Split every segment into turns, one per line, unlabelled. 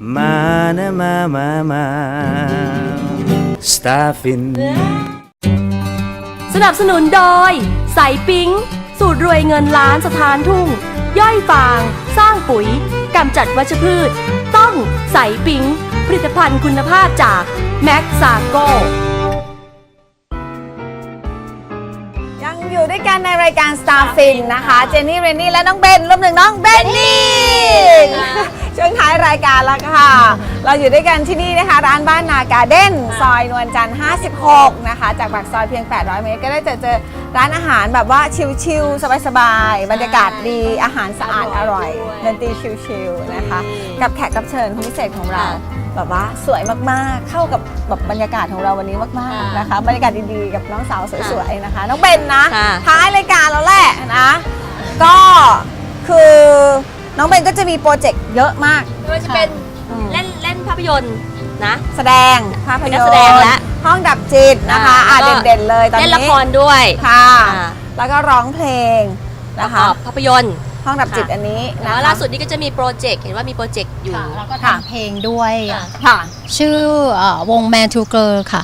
มานะมาสตาร์ฟิน
สนับสนุนโดยใสปิ๊งสูตรรวยเงินล้านสถานทุ่งย่อยฟางสร้างปุ๋ยกำจัดวัชพืชต้องใสปิ๊งผลิตภัณฑ์คุณภาพจากแม็กซาโก
ยังอยู่ด้วยกันในรายการ Starfin นะคะเจนนี่เรนนี่และน้องเบนรวมถึงน้องเบนนี่ช่วงท้ายรายการแล้วค่ะเราอยู่ด้วยกันที่นี่นะคะร้านบ้านนาการ์เด้นซอยนวลจันทร์56นะคะจากปากซอยเพียง800 เมตรก็ได้เจอร้านอาหารแบบว่าชิลๆสบายๆบรรยากาศดีอาหารสะอาดอร่อยดนตรีชิลๆนะคะกับแขกรับเชิญคนพิเศษของเราแบบว่าสวยมากๆเข้ากับแบบบรรยากาศของเราวันนี้มากๆนะคะบรรยากาศดีๆกับน้องสาวสวยๆนะคะน้องเบนนะท้ายรายการแล้วแหละนะก็คือน้องเบนก็จะมีโปรเจกต์เยอะมาก
ไม่ว่าจะเป็นเล่นภาพยนตร์นะ
แสดงภาพยนตร์
แสดงและ
ห้องดับจิตนะคะเด่นๆเลยตอนนี้
เล่นละครด้วย
ค่ะแล้วก็ร้องเพลงนะคะ
ภาพยนตร์
ห้องดับจิตอันนี้
แล้วล่าสุดนี้ก็จะมีโปรเจกต์เห็นว่ามีโปรเจกต์อยู่
แล้วก็ทำเพลงด้วย
ค่ะ
ชื่อวง Man to Girl ค่ะ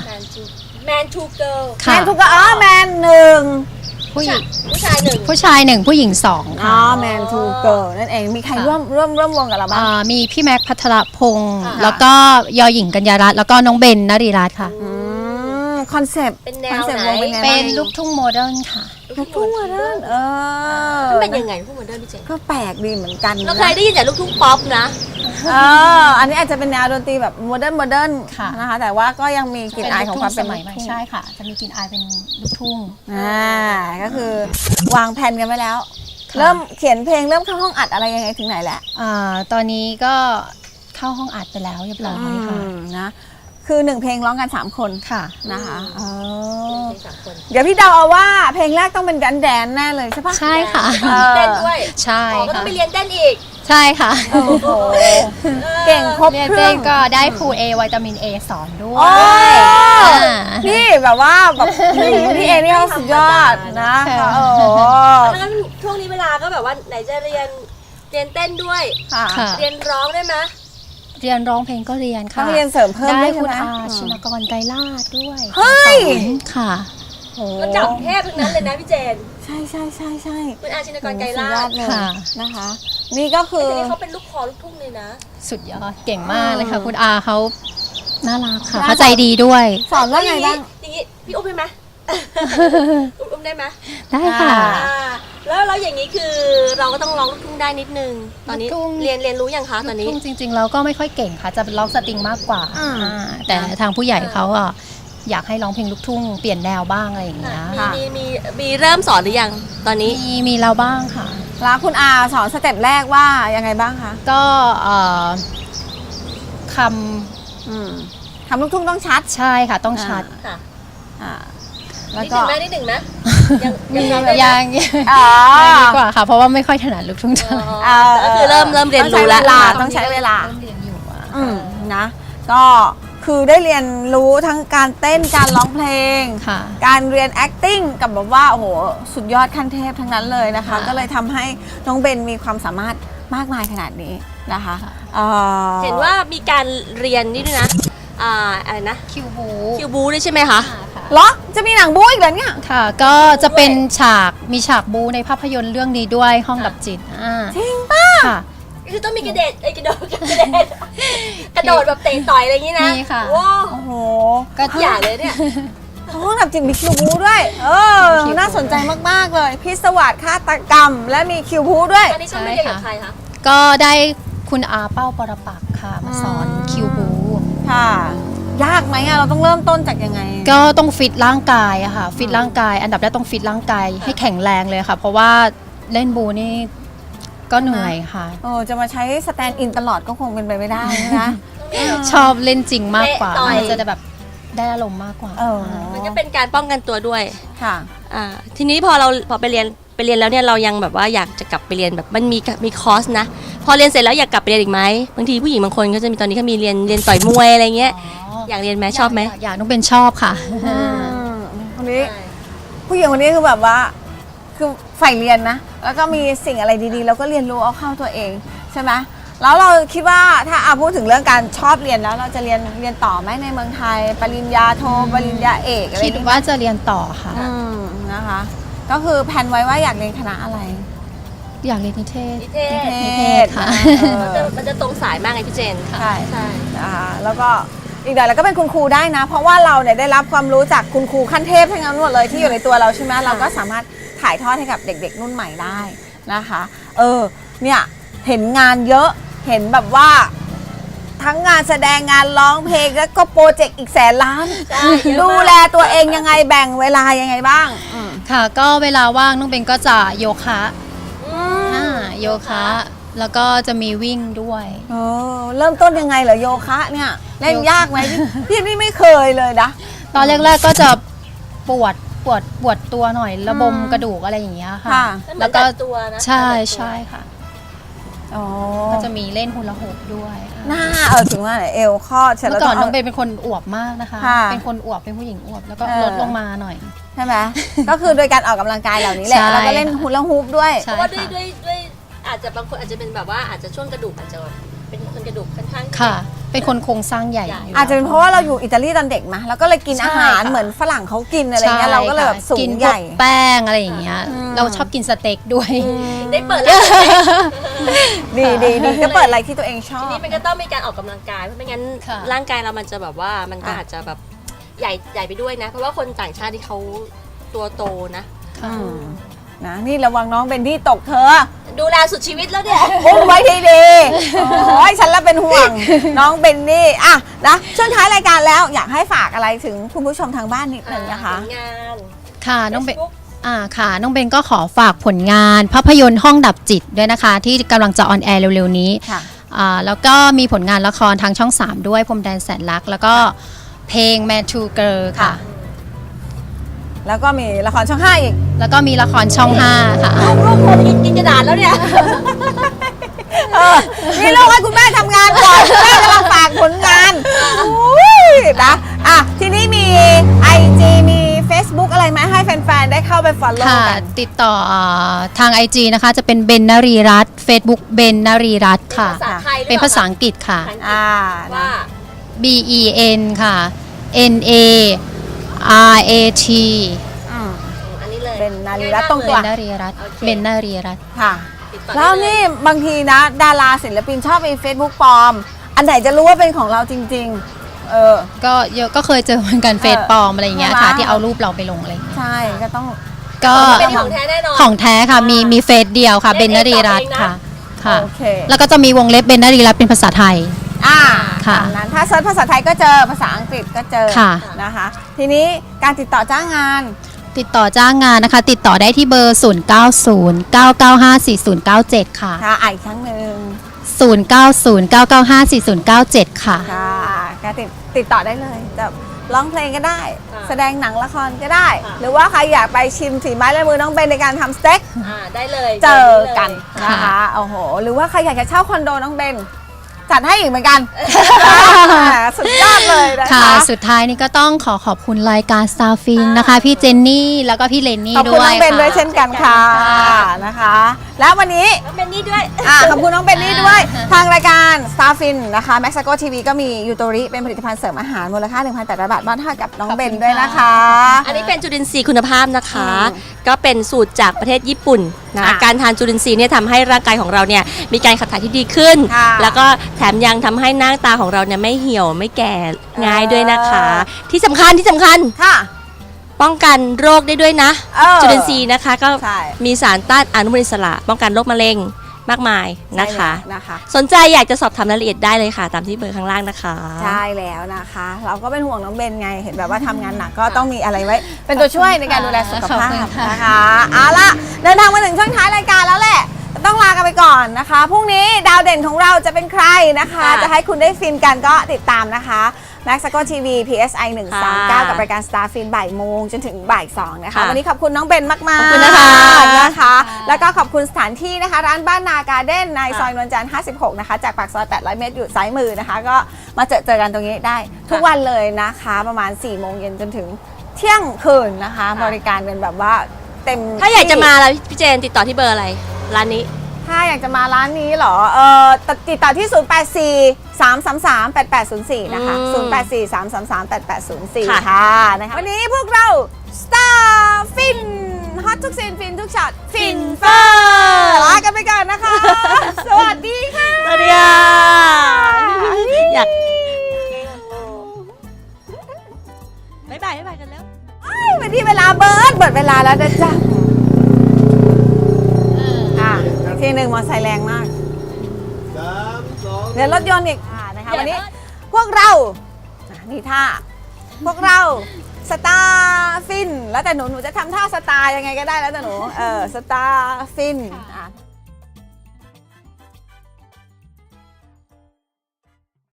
Man to Girl
Man to Girlแมนหนึ่ง
ผู้หญิง
ผู้ชายหนึ่ง
ผู้หญิงสองค่ะ
Man to Girl นั่นเองมีใครร่วมวงกับเราบ้าง
มีพี่แม็กพัทรพงศ์แล้วก็ยอหญิงกัญญารัตน์แล้วก็น้องเบนนรีรัตน์ค่ะ
คอนเซปต์
เป็นแนวไหน
เป็นลูกทุ่งโมเดิร์นค่ะ
ลูกทุ่งโมเดิร์น
มันเป็นยังไงลูกทุ่งโมเดิร์นพี่เจน
ก็แปลกดีเหมือนกัน
เราเคยได้ยินแต่ลูกทุ่งป๊อปนะ
อันนี้อาจจะเป็นแนวดนตรีแบบโมเดิร์นนะคะแต่ว่าก็ยังมีกลิ่นอายของความเป็น
สมัยใช่ค่ะจะมีกลิ่นอายเป็นลูกทุ่ง
ก็คือวางแผนกันไว้แล้วเริ่มเขียนเพลงเริ่มเข้าห้องอัดอะไรยังไงถึงไหนแล้ว
ตอนนี้ก็เข้าห้องอัดไปแล้วเรียบร้อยค่ะ
นะคือ1เพลงร้องกัน3คน
ค่ะ
นะคะเดี๋ยวพี่เดาเอาว่าเพลงแรกต้องเป็นแดนแน่เลยใช่ปะ
ใช่ค่ะ
เต้นด้วย
ใช่
ก็ต้องไปเรียนเต้นอีก
ใช่ค่ะ
เก่งครบเครื่อง
ก็ได้ครูAวิตามิน A สอนด้วย
นี่แบบว่าแบบพี่เอนี่เขาสุดยอดนะ
แล้วช่วงนี้เวลาก็แบบว่าไหนจะเรียนเต้นด้วยเรียนร้องได้ไหม
เรียนร้องเพลงก็เรียนค่ะ
ต้องเรียนเสริมเพิ่ม
ได้คุณอาชินกรไกรลาศด้วย
เฮ้ย
ค่ะ
ก็จับเทพทั้งนั้นเลยนะพี่เจน
ใช่
คุณอาชินกรไกรลาศ
นะคะนี่ก็คือ
เขาเป็นลูกคอลูกทุ่งเลยนะ
สุดยอดเก่งมากเลยค่ะคุณอาเขาน่ารักค่ะเขาใจดีด้วย
สอนว่าไงบ้าง
อย่างนี้พี่อุ้มได้ไหมอุ้มได้ไหม
ได้ค่ะ
แล้วอย่างนี้คือเราก็ต้องร้องลูกทุ่งได้นิดนึงตอนนี้เรียนรู้ยังคะตอนนี้
จริงๆเราก็ไม่ค่อยเก่งค่ะจะร้องสตริงมากกว่าแต่ทางผู้ใหญ่เขาอยากให้ร้องเพลงลูกทุ่งเปลี่ยนแนวบ้างอะไรอย่างเงี้ย
มีเริ่มสอนหรือยังตอนนี้
มีเราบ้างค่ะ
แล้วคุณอาสอนสเต็ปแรกว่ายังไงบ้างคะ
ก็
คำลูกทุ่งต้องชัด
ใช่ค่ะต้องชัด
แล้ว
ก็นิดหนึ่งนะ
ยังดีกว่าค่ะเพราะว่าไม่ค่อยถนัดลูกทุ่งเท่าไหร่
ก็คือเริ่มเรียนรู้แล้ว
ต้องใช้เวลา
เรียนอยู่
นะก็คือได้เรียนรู้ทั้งการเต้นการร้องเพลงการเรียน acting กับแบบว่าโอ้โหสุดยอดขั้นเทพทั้งนั้นเลยนะคะก็เลยทำให้น้องเบนมีความสามารถมากมายขนาดนี้นะคะ
เห็นว่ามีการเรียนนี่ด้วยนะอะไรนะ
คิว
บูด้วยใช่ไหมคะ
เหรอจะมีหนังบูอีกเหรอเนี่ย
ค่ะก็จะเป็นมีฉากบูในภาพยนตร์เรื่องนี้ด้วยห้องดับจิต
จริงป่ะ
ค่ะ
คือต้องมีกระโดดแบบเตะต่อยอะไรอย่างนี้นะ
นี่ค่ะ
ว้าว
โอ้โห
ก็อย่าเลยเนี่ย
ห้องดับจิตมีคิวบูด้วยน่าสนใจมากๆเลยพิศวาสฆาตกรรมและมีคิวบูด้วย
อันนี้ต้องไม่เรียนกับใครคะ
ก็ได้คุณอาเป้าปรปักษ์ค่ะมาสอนคิวบู
ค่ะยากไหมเราต้องเริ่มต้นจากยังไง
ก็ต้องฟิตร่างกายอะค่ะฟิตร่างกายอันดับแรกต้องฟิตร่างกายให้แข็งแรงเลยค่ะเพราะว่าเล่นบูนี่ก็เหนื่อยค่ะ
จะมาใช้สแตนด์อินตลอดก็คงเป็นไปไม่ได้นะ
ชอบเล่นจริงมากกว่ามันจะแบบได้อารมณ์มากกว่า
มันก็เป็นการป้องกันตัวด้วย
ค่ะ
ทีนี้พอไปเรียนแล้วเนี่ยเรายังแบบว่าอยากจะกลับไปเรียนแบบมันมีคอร์สนะพอเรียนเสร็จแล้วอยากกลับไปเรียนอีกไหมบางทีผู้หญิงบางคนก็จะมีตอนนี้เขามีเรียนต่อยมวยอะไรเงี้ยอยากเรียนไหมชอบไหม
อยากต้องเป็นชอบค่ะ
คนนี้ผู้หญิงคนนี้คือแบบว่าคือใฝ่เรียนนะแล้วก็มีสิ่งอะไรดีๆแล้วก็เรียนรู้เอาเข้าตัวเองใช่ไหมแล้วเราคิดว่าถ้าพูดถึงเรื่องการชอบเรียนแล้วเราจะเรียนต่อไหมในเมืองไทยปริญญาโทปริญญาเอกอะไร
คิดว่าจะเรียนต่อค่ะ
นะคะ ก็คือแผนไว้ว่าอยากเรียนคณะอะไร
อยากเรียนนิเทศ
นิเทศ
นิเทศ
ค่ะ
มันจะตรงสายมากไงพี่เจน
ใช่
ใช่
นะคะแล้วก็อีกหน่อยเราก็เป็นคุณครูได้นะ เพราะว่าเราเนี่ยได้รับความรู้จากคุณครูขั้นเทพทั้งนั้นหมดเลยที่อยู่ในตัวเราใช่ไหมเราก็สามารถถ่ายทอดให้กับเด็กๆรุ่นใหม่ได้นะคะเนี่ยเห็นงานเยอะเห็นแบบว่าทั้งงานแสดงงานร้องเพลงแล้วก็โปรเจกต์อีก100,000 ล้าน
ใช่เยอะมาก
ดูแลตัวเองยังไงแบ่งเวลายังไงบ้าง
ค่ะ ก็เวลาว่างน้องเบนก็จะโยคะโยคะ แล้วก็จะมีวิ่งด้วย
เริ่มต้นยังไงเหรอโยคะเนี่ยเล่นยากไหมพี่นี่ไม่เคยเลยนะ
ตอนแรกๆก็จะปวดตัวหน่อยระบมกระดูกอะไรอย่างเงี้ยค่ะ
ค่ะ
แล้วก็
มันดัดตัวนะ
ใช่ใช่ค่ะ
อ๋อ
ก็จะมีเล่นฮูลาฮูปด้วย
หน้าถึงว่าไหนเอวข้อเสร็จ
เมื่
แล้ว
อก่อน
ต้
น้
อ
อง งเบนเป็นคนอวบมากนะคะ
ค่ะ
เป็นคนอวบเป็นผู้หญิงอวบแล้วก็
เออ
ลดลงมาหน่อย
ใช่ไหม ก็คือโดยการออกกำลังกายเหล่านี้แหละ
ใช่
แล้วก็เล่นฮูลาฮูปด้วย
ใช่
เพราะว่าด้วยอาจจะบางคนอาจจะเป็นแบบว่าอาจจะช่วงกระดูกอาจจะเป็นคนกระดูกค่อนข้าง
ค่ะ เป็นคนโครงสร้างใหญ่ยู่
อาจจะเป็นเพราะว่าเราอยู่อิตาลีตอนเด็กมาแล้วก็เลยกิน
ใช่
อาหาร
ค่ะ
เหมือนฝรั่งเขากินอะไรเงี้ย
ใช่
เราก็เลยแบบ
ค่ะ
สู
กิ
ง
น
ให
พว
ญ่
กแป้งอะไรอย่างเงี้ย เราชอบกินสเต็กด้วย
ได้เปิดแล้ว
ดีก็เปิดอะไรที่ตัวเองชอ
ที
บ
นี้มันก็ต้องมีการออกกำลังกายเพราะไม่งั้น
ค่ะ
ร่างกายเรามันจะแบบว่ามันก็อาจจะแบบใหญ่ไปด้วยนะ เพราะว่าคนต่างชาติที่เขาตัวโตนะ
ค่ะ
นะนี่ระวังน้องเบนที่ตกเธอ
ดูแลสุดชีวิตแล้วเนี่ย
อุ้มไว้ดีๆโอ้ยฉันละเป็นห่วง น้องเบนนี่อ่ะนะช่วงท้ายรายการแล้วอยากให้ฝากอะไรถึงคุณผู้ชมทางบ้านนิดนึงนะคะ
ผลงาน
ค่ะน้องเบน
Facebook
ค่ะน้องเบนก็ขอฝากผลงานภาพยนตร์ห้องดับจิตด้วยนะคะ ที่กำลังจะออนแอร์เร็วๆนี้
ค่ะ
แล้วก็มีผลงานละครทางช่อง 3 ด้วยพรมแดนแสนรัก แล้วก็เพลง Man to Girl ค่ะ
แล้วก็มีละครช่อง5อีก
แล้วก็มีละครช่อง 5 ค่ะ
ลูกคนกินกระดาษแล้วเนี่ย
นี่ลูกให้คุณแม่ทำงานก่อนคุณแม่กำลังฝากผลงานอุ้ยนะทีนี้มี IG มี Facebook อะไรไหมให้แฟนๆ ได้เข้าไป follow
ค่ะ
กัน
ติดต่อทาง IG นะคะจะเป็นเบนนรีรัตน์ Facebook เบนนรีรัตน์ค่ะ
ภาษาไทยหรือเปล่า
เป็นภาษาอังกฤษค่ะ
อ่า
ว่า
B E N ค่ะ N A R A T
อันนี้เลย
เป็นนารีรัตน์ตรง
เบ
ตัว
นนรีรัตน์
โอเค
เบนนรีรัตน์
ค่ะ
ติดต่อ
แล้ว
ได้เย
นี่บางทีนะ ดาราศิลปินชอบมี Facebook ปลอม อันไหนจะรู้ว่าเป็นของเราจริง ๆ
ก็เยอะก็เคยเจอเหมือนกันเฟซปลอมอะไรอย่างเงี้ยค่ะ ที่เอารูปเราไปลงอะไรอย่างเงี้ย
ใช่ก็ต้อง
ก็
เป็นของแท้แน่นอน
ของแท้ค่ะมีเฟซเดียวค่ะ
เล่
เบ
น
น
เอง
นรีรัตน์
ต่อเองนะ
ค่ะค่ะ
โอเค
แล้วก็จะมีวงเล็บเบนนรีรัตน์เป็นภาษาไทย ค่ะ
ตามนั้นถ้าเซิร์ชภาษาไทยก็เจอภาษาอังกฤษก็เจอ
ค่ะ
นะคะ ทีนี้การติดต่อจ้างงาน
ติดต่อจ้างงานนะคะ ติดต่อได้ที่เบอร์ 0909954097 ค่ะ
ค่ะอีกครั้งหนึ่ง
0909954097 ค่ะ
ค่ะก็ติดต่อได้เลยจะร้องเพลงก็ได้
ค่ะ
แสดงหนังละครก็ได้
ค่ะ
หรือว่าใครอยากไปชิมฝีไม้ลายมือน้องเบนในการทำสเต็ก
ได้เลย
เจอกัน
เดี๋ยว
นะคะ โอ้โห หรือว่าใครอยากจะเช่าคอนโดน้องเบน จัดให้อีกเหมือนกัน สุดยอดเลยนะคะ
ค่ะ สุดท้ายนี้ก็ต้องขอบคุณรายการ Star Fin นะคะ พี่เจนนี่ แล้วก็พี่เลนนี่
ขอบ
ด้
คุณ
วย
น้องเบนด้วย
ค่ะ
เช่นกันค่ะนะคะ แล้ววันนี้
น้องเบนนี่ด้วย
ขอบคุณน้องเบนนี่ด้วย ทางรายการ Starfin นะคะ Maxago TV ก็มียูโตริเป็นผลิตภัณฑ์เสริมอาหารมูลค่า 1,800 บาทมอบให้กับน้องเบนด้วยนะคะ
อันนี้เป็นจุลินทรีย์คุณภาพนะคะ
อืม
ก็เป็นสูตรจากประเทศญี่ปุ่นนะ
ค่ะ
การทานจุลินทรีย์เนี่ยทำให้ร่างกายของเราเนี่ยมีการขับถ่ายที่ดีขึ้น
ค่ะ
แล้วก็แถมยังทำให้หน้าตาของเราเนี่ยไม่เหี่ยวไม่แก่ง่ายด้วยนะคะ ที่สำคัญ
ค่ะ
ป้องกันโรคได้ด้วยนะ จุลินทรีย์นะคะก็
ใช่
มีสารต้านอนุมูลอิสระ ป้องกันโรคมะเร็งมากมายนะคะ
ใช่แล้วนะคะ
สนใจอยากจะสอบถามรายละเอียดได้เลยค่ะ ตามที่เบอร์ข้างล่างนะคะ
ใช่แล้วนะคะ เราก็เป็นห่วงน้องเบนไง เห็นแบบว่าทำงานหนักก็ต้องมีอะไรไว้ เป็นตัวช่วยในการดูแลสุขภา
ขอบ
พ
คุณค่ะ
นะคะ เอาละเดินทางมาถึงช่วงท้ายรายการแล้วแหละ ต้องลากันไปก่อนนะคะ พรุ่งนี้ดาวเด่นของเราจะเป็นใครนะคะ
ค่ะ
จะให้คุณได้ฟินกันก็ติดตามนะคะ Maxago TV PSI 139 กับรายการ Star Fin บ่ายโมงจนถึงบ่าย2นะคะ
ค่ะ
วันนี้ขอบคุณน้องเบนมากๆ
ขอบคุณนะคะ
นะคะ แล้วก็ขอบคุณสถานที่นะคะ ร้านบ้านนาการ์เด้นในซอยนวลจันทร์56 นะคะ จากปากซอย 800 เมตรอยู่ซ้ายมือนะคะ ก็มาเจอกันตรงนี้ได้ทุกวันเลยนะคะ ประมาณ 4 โมงเย็นจนถึงเที่ยงคืนนะคะ บริการเป็นแบบว่าเต็ม
ถ้าอยากจะ
ที่
มาแล้วพี่เจนติดต่อที่เบอร์อะไรร้านนี้
ถถ้าอยากจะมาร้านนี้เหรอติดต่อที่ 084-333-8804 นะคะ 084-333-8804 ค่ะนะคะวันนี้พวกเรา Star Fin ฮอตทุกซีนฟินทุกช็อตฟินเฟอร์ลากันไปก่อนนะคะ สวัสดีค่ะ
สวัสดีค่ะอยากบ๊ายบายกันแล้ว
วันนี้เวลาเบิร์ดเวลาแล้วนะจ๊ะทีหนึ่งมอไซค์แรงมากเดี๋ยวรถยนต์อีกนะคะวันนี้พวกเรานี่ท่าพวกเราสตาร์ฟินแล้วแต่หนูจะทำท่าสตาร์ยังไงก็ได้แล้วแต่หนูสตาร์ฟิน